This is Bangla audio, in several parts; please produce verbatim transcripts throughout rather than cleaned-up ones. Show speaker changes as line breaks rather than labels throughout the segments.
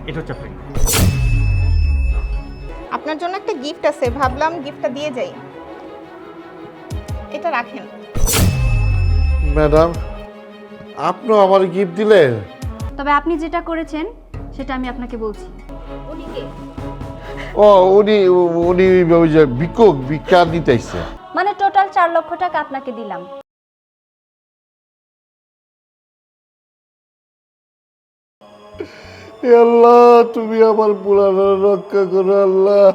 এটা হচ্ছে আপনার।
আপনার জন্য একটা গিফট আছে, ভাবলাম গিফটটা দিয়ে যাই। এটা রাখেন।
ম্যাডাম, আপনিও আমার গিফট দিলেন?
তবে আপনি যেটা করেছেন সেটা আমি আপনাকে বলছি।
ও উনি উনি ওই যে বিক্ষোভ ভিক্ষা নিতে আসছে।
মানে টোটাল চার লক্ষ টাকা আপনাকে দিলাম।
এ আল্লাহ, তুমি আমার পুরানো রক্ষা করো আল্লাহ।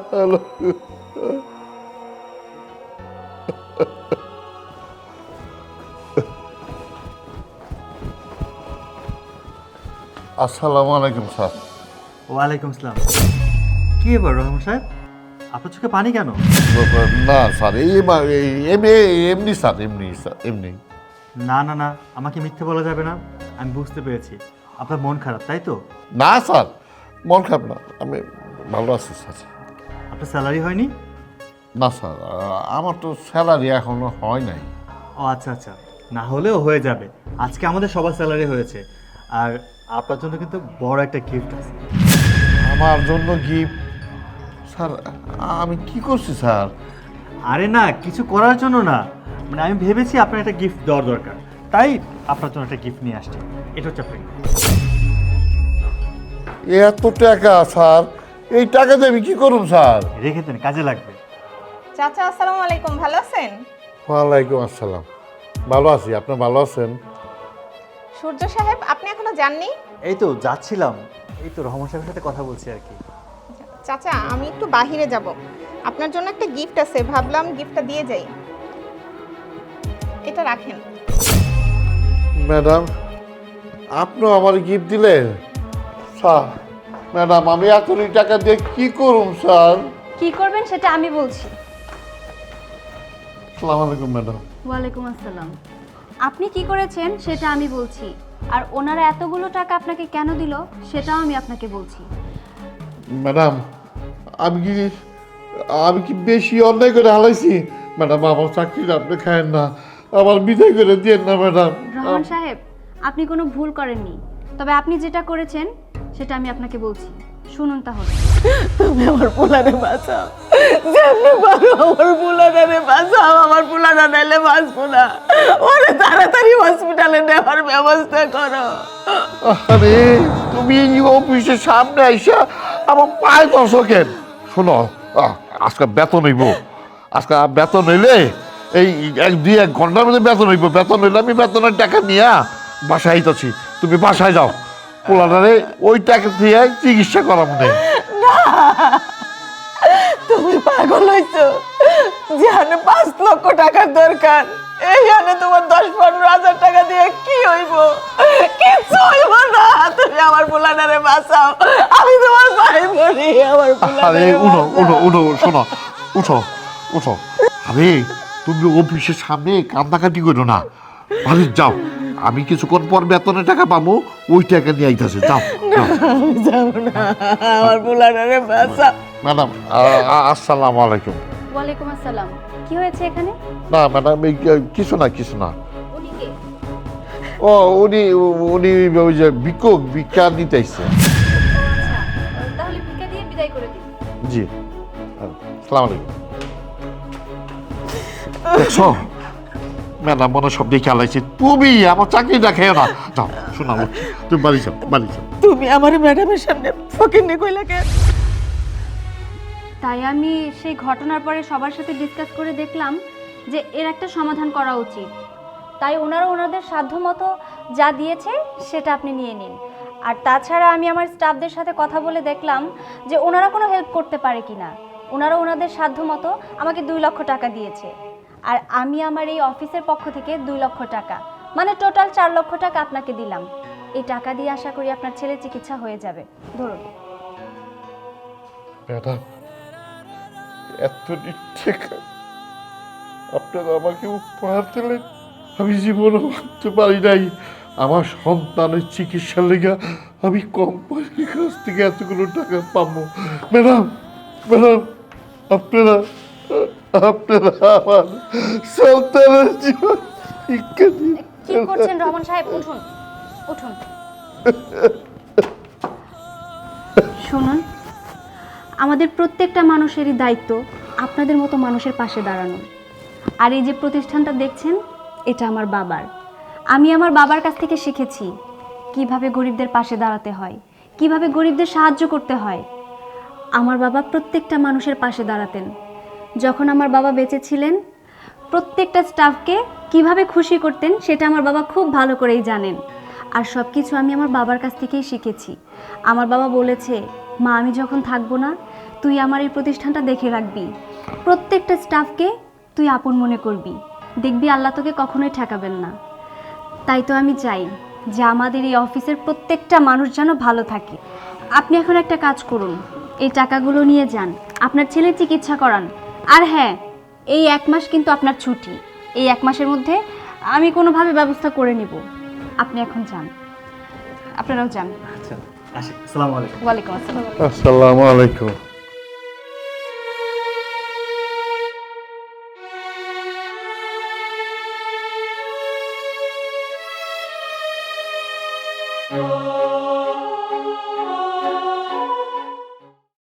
আসসালামু আলাইকুম স্যার।
ওয়ালাইকুম আসসালাম। কি ব্যাপার রহমান সাহেব, আপনার চোখে পানি কেন?
না স্যার, এই এমনি এমনি স্যার, এমনি স্যার, এমনি।
না না না, আমাকে মিথ্যে বলা যাবে না। আমি বুঝতে পেরেছি আপনার মন খারাপ, তাই তো?
না স্যার, মন খারাপ না, আমি ভালো আছি স্যার।
আপনার স্যালারি হয়নি?
না স্যার, আমার তো স্যালারি এখনো হয় নাই।
ও আচ্ছা আচ্ছা, না হলেও হয়ে যাবে। আজকে আমাদের সবার স্যালারি হয়েছে, আর আপনার জন্য কিন্তু বড় একটা গিফট আছে।
আমার জন্য গিফট? স্যার, আমি কি করছি স্যার?
আরে না, কিছু করার জন্য না, মানে আমি ভেবেছি আপনার একটা গিফট দেওয়ার দরকার, তাই আপনার জন্য একটা গিফট নিয়ে আসছি। এটা হচ্ছে আপনার।
এত টাকা স্যার, এই টাকা দিয়ে আমি কি করুন স্যার?
রেখে দেন, কাজে লাগবে।
চাচা আসসালামু আলাইকুম, ভালো আছেন?
ওয়ালাইকুম আসসালাম। ভালো আছি, আপনি ভালো আছেন?
সূর্য সাহেব, আপনি এখনো যাননি?
এই তো যাচ্ছিলাম, এই তো রহমান সাহেবের সাথে কথা বলছি আর কি।
চাচা, আমি একটু বাহিরে যাব, আপনার জন্য একটা গিফট আছে, ভাবলাম গিফটটা দিয়ে যাই। এটা রাখেন।
ম্যাডাম, আপনিও আমার গিফট দিলেন? স্যার, ম্যাডাম, আমি এতগুলি টাকা দিয়ে কি করুন স্যার?
কি করবেন সেটা আমি বলছি।
আসসালামু আলাইকুম ম্যাডাম।
ওয়ালাইকুম আসসালাম। আপনি কি করেছেন সেটা আমি বলছি, আর ওনারা এতগুলো টাকা আপনাকে কেন দিল সেটাও আমি আপনাকে বলছি।
ম্যাডাম, আমি কি আমি কি বেশি অন্যায় করে হালাইছি? ম্যাডাম, আমার চাকরিটা আপনি খায়েন না, আমার বিদায় করে দিয়েন না ম্যাডাম।
রহমান সাহেব, আপনি কোনো ভুল করেননি, তবে আপনি যেটা করেছেন সেটা আমি আপনাকে বলছি। শুনুন তাহলে।
তুমি আমার পোলারে বাঁচাও, যেমনি পারো আমার পোলারে বাঁচাও, আমার পোলারা নাইলে বাঁচবো না। ওরে তাড়াতাড়ি হসপিটালে নেওয়ার ব্যবস্থা করো।
আরে তুমি এই অফিসের সামনে আইসা আমার পায়ে দর্শক কেন? শোনো, আহ, আজকে বেতন হইব, আজকে বেতন হইলে এই এক দুই এক ঘন্টার মধ্যে বেতন হইব। বেতন হইলে আমি বেতনের টাকা নিয়ে বাসায় আইতাছি, তুমি বাসায় যাও। পোলারে ওই টাকা দিয়ে চিকিৎসা করা মনে।
তুমি পাগল হইছো? যেখানে পাঁচ লক্ষ টাকার দরকার, এইখানে তোমার দশ পনেরো হাজার টাকা দিয়ে কি হইব? কিচ্ছু হইব না। তুমি আমার পোলারে বাঁচাও, আমি তোমার ভাই বলি, আমার
আরে
পোলারে
উঠো উঠো উঠো, শোনো, উঠো উঠো। আরে তুমি অফিসের সামনে কান্দাকাটি করো না, বাড়ি যাও। আমি কিছুক্ষণ পর বেতনের টাকা পাবো, ওই টাকা নিয়ে আইতাছে। যাও যাও।
আমি যাবো না, আমার পোলারে বাঁচাও।
ম্যাডাম, আসসালামু আলাইকুম।
ওয়ালাইকুম আসসালাম। কি হয়েছে এখানে?
না ম্যাডাম, এই কিছু না, কিছু না।
উনি কে?
ও উনি উনি ওই যে বিক্ষোভ ভিক্ষা নিতে আসছে।
আচ্ছা, তাহলে ভিক্ষা দিয়ে বিদায় করে দিন।
জি, আসসালামু আলাইকুম। দেখছো ম্যাডাম, মনে সব দেখে আলাইছে। তুমি আমার চাকরিটা খেয়ে না। যাও, শোনা, তুমি বাড়ি যাও, বাড়ি যাও।
তুমি আমার ম্যাডামের সামনে ফকিন্নি কইলা কেন?
তাই আমি সেই ঘটনার পরে সবার সাথে ডিসকাস করে দেখলাম যে এর একটা সমাধান করা উচিত। তাই ওনারা ওনাদের সাধ্যমতো যা দিয়েছে সেটা আপনি নিয়ে নিন। আর তাছাড়া আমি আমার স্টাফদের সাথে কথা বলে দেখলাম যে ওনারা কোনো হেল্প করতে পারে কি না। ওনারা ওনাদের সাধ্যমতো আমাকে দুই লক্ষ টাকা দিয়েছে, আর আমি আমার এই অফিসের পক্ষ থেকে দুই লক্ষ টাকা, মানে টোটাল চার লক্ষ টাকা আপনাকে দিলাম। এই টাকা দিয়ে আশা করি আপনার ছেলের চিকিৎসা হয়ে যাবে। ধরুন।
ম্যাডাম, এত টাকা আপনারা আমাকে উপহার দিলেন, আমি জীবনে ভাবতে পারি নাই। আমার সন্তানের চিকিৎসার লেগে আমি কোম্পানির কাছ থেকে এতগুলো টাকা পাবো। ম্যাডাম, ম্যাডাম, আপনারা আপনারা আমার সন্তানের জীবন শিক্ষা দিন।
কি করছেন রহমান সাহেব? উঠুন উঠুন। শুনুন, আমাদের প্রত্যেকটা মানুষেরই দায়িত্ব আপনাদের মতো মানুষের পাশে দাঁড়ানো। আর এই যে প্রতিষ্ঠানটা দেখছেন, এটা আমার বাবার। আমি আমার বাবার কাছ থেকে শিখেছি কিভাবে গরিবদের পাশে দাঁড়াতে হয়, কিভাবে গরিবদের সাহায্য করতে হয়। আমার বাবা প্রত্যেকটা মানুষের পাশে দাঁড়াতেন। যখন আমার বাবা বেঁচে ছিলেন, প্রত্যেকটা স্টাফকে কিভাবে খুশি করতেন সেটা আমার বাবা খুব ভালো করেই জানেন। আর সব কিছু আমি আমার বাবার কাছ থেকেই শিখেছি। আমার বাবা বলেছে, মা আমি যখন থাকবো না, তুই আমার এই প্রতিষ্ঠানটা দেখে রাখবি, প্রত্যেকটা স্টাফকে তুই আপন মনে করবি, দেখবি আল্লাহ তোকে কখনোই ঠেকাবেন না। তাই তো আমি চাই যে আমাদের এই অফিসের প্রত্যেকটা মানুষ যেন ভালো থাকে। আপনি এখন একটা কাজ করুন, এই টাকাগুলো নিয়ে যান, আপনার ছেলের চিকিৎসা করান। আর হ্যাঁ, এই এক মাস কিন্তু আপনার ছুটি। এই এক মাসের মধ্যে আমি কোনোভাবে ব্যবস্থা করে নিব। আপনি এখন যান, আপনারাও যান।
আচ্ছা, আসি। আসসালামু আলাইকুম।
ওয়ালাইকুম আসসালাম।
আসসালামু আলাইকুম।